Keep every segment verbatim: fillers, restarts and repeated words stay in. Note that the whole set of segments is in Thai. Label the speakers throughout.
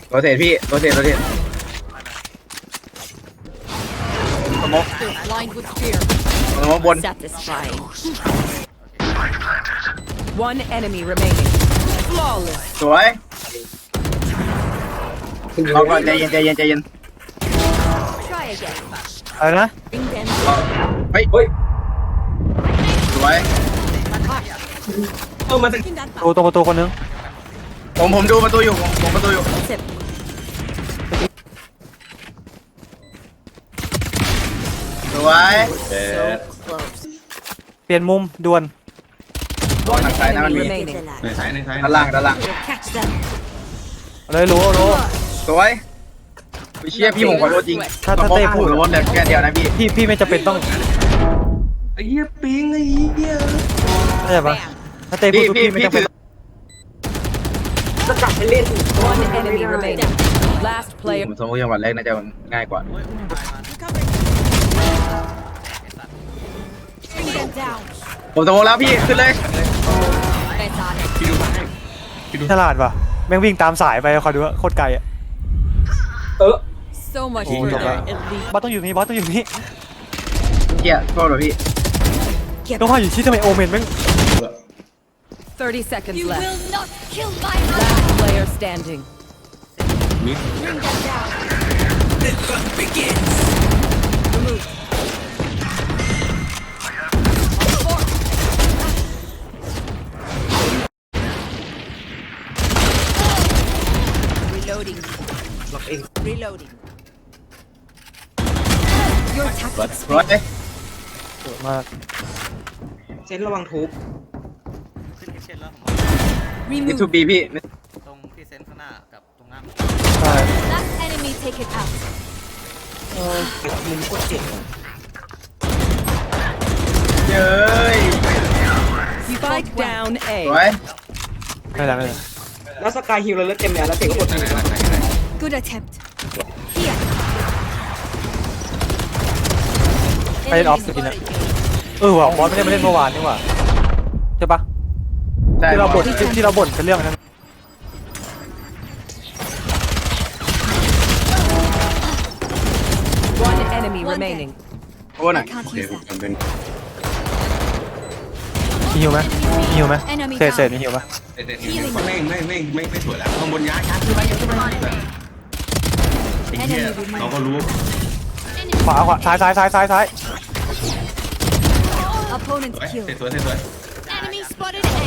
Speaker 1: โรเทตพี่โรเทตโรเทตสมองสมองบน
Speaker 2: One enemy remaining. Flawless.
Speaker 1: สวยรอก่อนใจเย็นใจเย็นใจเย็น
Speaker 2: Try again.
Speaker 3: อะไรนะ
Speaker 2: Bring them.
Speaker 1: เฮ้ยเฮ้ยสวย
Speaker 4: เออมาถึง
Speaker 3: ตัวตรงประตูคนนึง
Speaker 1: ผมผมดูประตูอยู่ผมผมประตูอยู่
Speaker 2: Sip.
Speaker 1: สวย
Speaker 2: So close.
Speaker 3: เปลี่ยนมุมด่วน
Speaker 2: One
Speaker 1: Nag- nag-
Speaker 2: enemy
Speaker 1: nag-
Speaker 2: remaining.
Speaker 4: ในซ้ายในซ้าย
Speaker 1: ด้านล่างด้านล่าง
Speaker 2: Catch them.
Speaker 3: เลยรู้รู้
Speaker 1: สวยพี่เชี่ยพี่ผมขอโทษจริง
Speaker 3: ถ้าถ้าเต้พูด
Speaker 1: ผมรถเลยแค่เดียวนะพี่
Speaker 3: พี่พี่ไม่จำเป็นต้อง
Speaker 4: ไอ้เหี้ยปิงไอ้เหี้ย
Speaker 3: เข้าใจปะถ้าเต้พูด
Speaker 1: พี่
Speaker 3: พี่ไม่
Speaker 1: พี่
Speaker 3: จำเป็น
Speaker 1: ถือ
Speaker 2: One enemy remaining. Last
Speaker 1: ผ
Speaker 2: player.
Speaker 1: มสมมติจังหวัดแรกน่าจะง่ายกว่า
Speaker 2: Bring them down.
Speaker 1: ผมสมมติแล้วพี่ขึ้นเลย
Speaker 2: That's on it.
Speaker 4: พี่ดูมาให้พี่ดู
Speaker 3: ฉลาดปะแม่งวิ่งตามสายไปคอยดูว่าโคตรไกลอ่ะ
Speaker 2: So much
Speaker 3: Oh,
Speaker 2: for
Speaker 3: jump
Speaker 2: their
Speaker 3: back.
Speaker 2: elite.
Speaker 3: บอสต้องอยู่นี่บอสต้องอยู่นี่
Speaker 1: เกียร์โทษเหรอพี่
Speaker 3: ต้องว่าอยู่ที่ทำไมโอเมนแม่ง
Speaker 2: Thirty seconds
Speaker 5: You
Speaker 2: left.
Speaker 5: will not kill my
Speaker 2: Last player standing.
Speaker 4: มิด
Speaker 5: bring them down.
Speaker 2: Reloading.
Speaker 4: ล็อกเอง
Speaker 2: Reloading.
Speaker 5: Your tactics
Speaker 1: สวย
Speaker 3: สวยมาก
Speaker 4: เซนระวังทุบ
Speaker 6: ขึ้นเช่นแล้วผม
Speaker 1: มิทู
Speaker 5: removed.
Speaker 1: บีพี่
Speaker 6: ตรงที่เซนข้างหน้ากับตรงหน้า
Speaker 3: ใช่
Speaker 5: Last enemy taken out.
Speaker 4: มุมโคตรเจ็บ
Speaker 1: เย้ย
Speaker 2: Spike down
Speaker 1: ส
Speaker 2: A.
Speaker 1: วย
Speaker 3: ไม่เป็นไรไม่เป็นไร
Speaker 4: แล้วสกายฮิลเราเลือดเต็มแล้วแล้วเตะก็กดมือ
Speaker 5: Good attempt. Here.
Speaker 3: ไปเล่นออฟสกินอะเออว่ะบอสไม่ได้มาเล่นเมื่อวานนี่หว่าใช่ปะ
Speaker 1: ใช่
Speaker 3: ที่เราบ่นที่ที่เราบ่นเป็นเรื่องนั้น
Speaker 2: One enemy remaining.
Speaker 1: โอ้หน่อย
Speaker 5: Can't
Speaker 4: โอเค
Speaker 5: use
Speaker 4: ผม
Speaker 5: that.
Speaker 4: จำเป็น
Speaker 3: มีหิวไหมมีหิวไหมเศษเศษมีหิวปะ
Speaker 4: เตะเตะไม่ไม่ไม่ไม่ไม่สวยแล้วข้างบนย้ายย้ายขึ้นไปย้ายขึ้นไปไอ้เหี้ยเราก็รู้
Speaker 3: ขวาขวาซ้ายซ้ายซ้ายซ้ายซ้าย
Speaker 5: Opponent
Speaker 4: สวย
Speaker 5: killed.
Speaker 4: เตะสวยเตะสวย
Speaker 5: Enemy spotted A.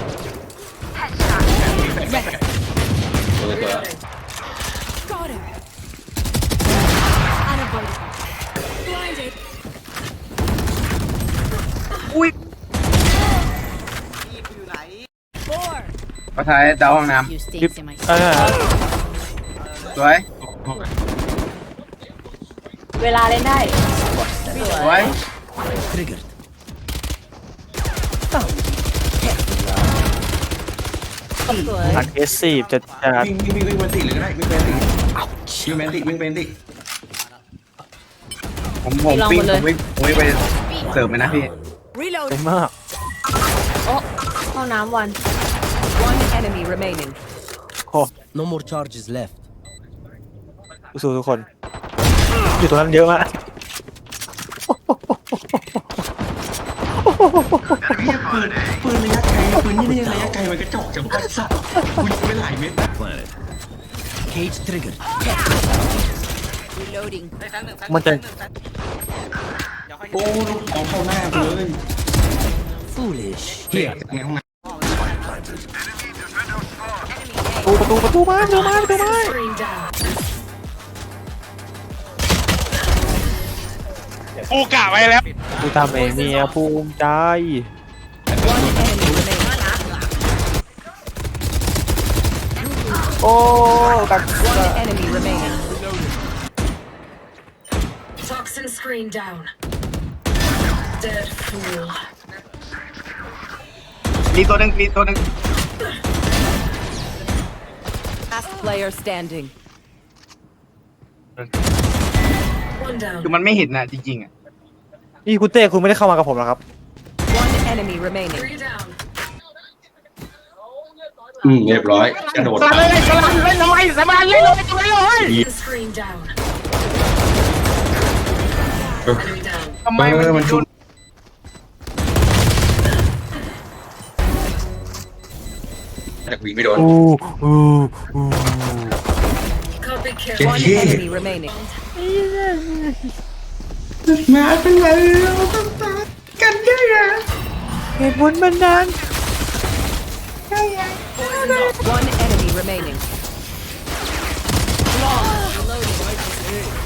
Speaker 4: สวยสวย
Speaker 5: Got him. Unavoidable. Blinded.
Speaker 1: ก็ท้ายดาวห้องน้
Speaker 5: You
Speaker 3: คลิป
Speaker 5: stays in my
Speaker 3: เออ
Speaker 1: ำสวย
Speaker 7: เวลาเล่นได้
Speaker 1: สวย
Speaker 3: อัดเอสซีจะจะ
Speaker 4: วิ่งวิ่งวิ่งวิ่งแมนติเลยก็ได้วิ่งแมนติวิ่งแมนติวิ่งแมนติ
Speaker 1: ผมผมปิ้งผมวิ่งผมวิ่งไปเสิร์ฟเลยนะพี่
Speaker 2: Reload.
Speaker 3: เต็มมาก
Speaker 7: ห้องน้ำวัน
Speaker 2: One enemy remaining.
Speaker 3: โอ้
Speaker 8: No more charges left.
Speaker 3: สู้ๆทุกคน อยู่ตรงนั้นเยอะมาก
Speaker 4: ปืนปืนระยะไกลปืนนี่นี่ระยะไกลมันกระจอกจังวะสัตว์คุณยิงไปหลายเม็ด
Speaker 8: Planet. Cage triggered.
Speaker 2: Reloading.
Speaker 3: มันจะ
Speaker 4: โอ้ลูกเอาเข้าหน้าไปเลย
Speaker 8: Foolish.
Speaker 4: เฮียในห้องน้
Speaker 3: ประตูประตูประตูมาประตูมาประตูมา
Speaker 1: กูกะไว้แล้ว
Speaker 3: กูทำเองเนี่ยภูมิใจ
Speaker 2: One enemy remaining.
Speaker 3: โอ้ตัก
Speaker 2: One enemy remaining.
Speaker 9: Toxin screen down. Dead fool.
Speaker 1: มีตัวหนึ่งมีตัวหนึ่ง
Speaker 2: Last player standing.
Speaker 9: One down.
Speaker 1: คือมันไม่เห็นนะจริงๆอ่ะ
Speaker 3: นี่คุณเต้คุณไม่ได้เข้ามากับผมหรอครับ
Speaker 2: One enemy remaining.
Speaker 9: Three down.
Speaker 4: ำอืมเรียบร้อยกระโดด
Speaker 1: สลับเลยสลับเลยทำไมส
Speaker 3: สบายเลยลงไปตรงนี้เลย
Speaker 9: Toxin screen down. Enemy down.
Speaker 3: ทำไมมัน
Speaker 4: เออมันชุบจากวิ่งไม่โดน
Speaker 3: อู้อู้อู้
Speaker 9: Copy kill.
Speaker 4: เจ็ด
Speaker 2: One
Speaker 4: ที่
Speaker 2: enemy remaining.
Speaker 4: มาเป็นไรกันเยอะแยะ
Speaker 3: เหตุผลมันนั้น
Speaker 2: One enemy remaining.